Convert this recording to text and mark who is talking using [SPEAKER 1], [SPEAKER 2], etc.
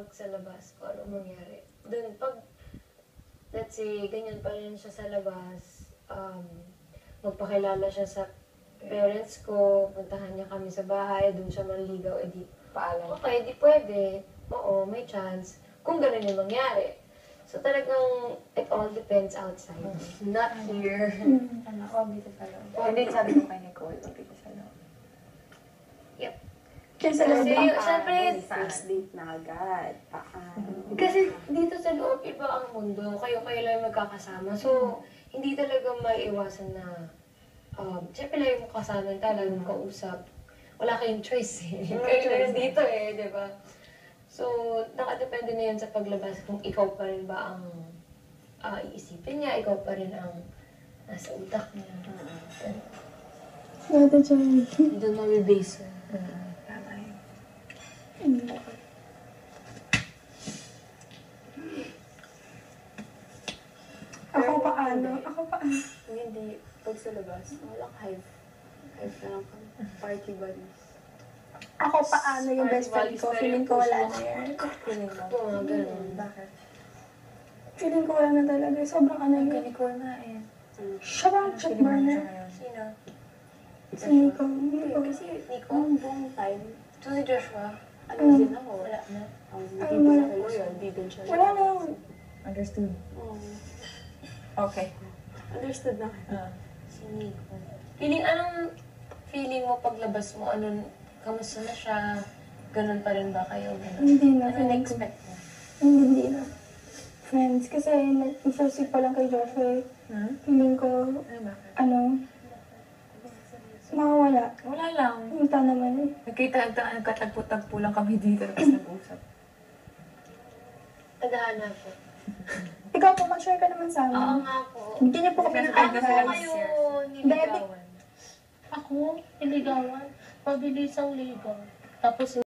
[SPEAKER 1] sa labas, kung ano mangyari. Doon, pag, let's say, ganyan pa rin siya sa labas, magpakilala siya sa parents ko, puntahan niya kami sa bahay, doon siya manligaw, edi,
[SPEAKER 2] Paalam.
[SPEAKER 1] okay, di pwede. Oo, may chance. Kung ganun yung mangyari. So talagang, it all depends outside. Not here.
[SPEAKER 2] Ako, dito sa loob. And then sabi ko kay Nicole, dito sa loob.
[SPEAKER 1] Yep.
[SPEAKER 3] Kasi
[SPEAKER 1] Kasi, syempre,
[SPEAKER 2] First date na agad.
[SPEAKER 1] kasi dito sa loob, iba ang mundo. Kayo lang magkakasama. So, hindi talaga maiiwasan na, syempre lang yung kasama talagang kausap. Wala kayong choice eh. Kayo lang dito eh, di ba? So, nakadepende na yan sa paglabas kung ikaw pa rin ba ang iisipin niya, ikaw pa rin ang nasa utak niya.
[SPEAKER 3] Ate Chay.
[SPEAKER 1] Doon mabibase.
[SPEAKER 2] Tama yun.
[SPEAKER 3] Ako paano? Ako paano?
[SPEAKER 2] Hindi. Pag sa labas, walang hype. Hype na lang kami. Party buddies.
[SPEAKER 3] Ako paano yung best friend ko? Feeling ko wala na yan.
[SPEAKER 2] Feeling mo?
[SPEAKER 1] Oo, ganun.
[SPEAKER 2] Bakit?
[SPEAKER 3] Feeling ko wala na talaga. Sobrang ano
[SPEAKER 2] Kay
[SPEAKER 3] yun.
[SPEAKER 2] Nicole na eh.
[SPEAKER 3] Siya ba ang check burner?
[SPEAKER 1] Sino?
[SPEAKER 3] Si Nico.
[SPEAKER 2] Hindi,
[SPEAKER 3] Nico.
[SPEAKER 2] kasi ang buong time,
[SPEAKER 1] So, si Joshua?
[SPEAKER 2] ano din ako.
[SPEAKER 1] Wala na.
[SPEAKER 2] Hindi din ako loyal, hindi din siya
[SPEAKER 3] Wala na.
[SPEAKER 2] Understood. Oo.
[SPEAKER 4] Okay.
[SPEAKER 2] Understood na.
[SPEAKER 1] Si Nico. Anong feeling mo paglabas mo? Kamusta na siya? Ganun pa rin ba kayo? Ganun?
[SPEAKER 3] Hindi na.
[SPEAKER 1] Ano
[SPEAKER 3] Feeling ko.
[SPEAKER 1] na-expect mo?
[SPEAKER 3] Hindi na. Friends. Kasi first week pa lang kay Joshua. Feeling ko, mawawala.
[SPEAKER 4] Wala lang.
[SPEAKER 3] Punta naman eh.
[SPEAKER 4] Nagkatagpo-tagpo lang kami dito tapos nag-usap.
[SPEAKER 1] Tadhana po.
[SPEAKER 3] Ikaw po, mag-share ka naman sa
[SPEAKER 1] Oo
[SPEAKER 3] amin.
[SPEAKER 1] nga po.
[SPEAKER 3] Bigyan niyo po kami ng
[SPEAKER 1] Ano
[SPEAKER 3] advice.
[SPEAKER 1] kayo niligawan?
[SPEAKER 5] Ako, niligawan. Pabilisang ligaw. Tapos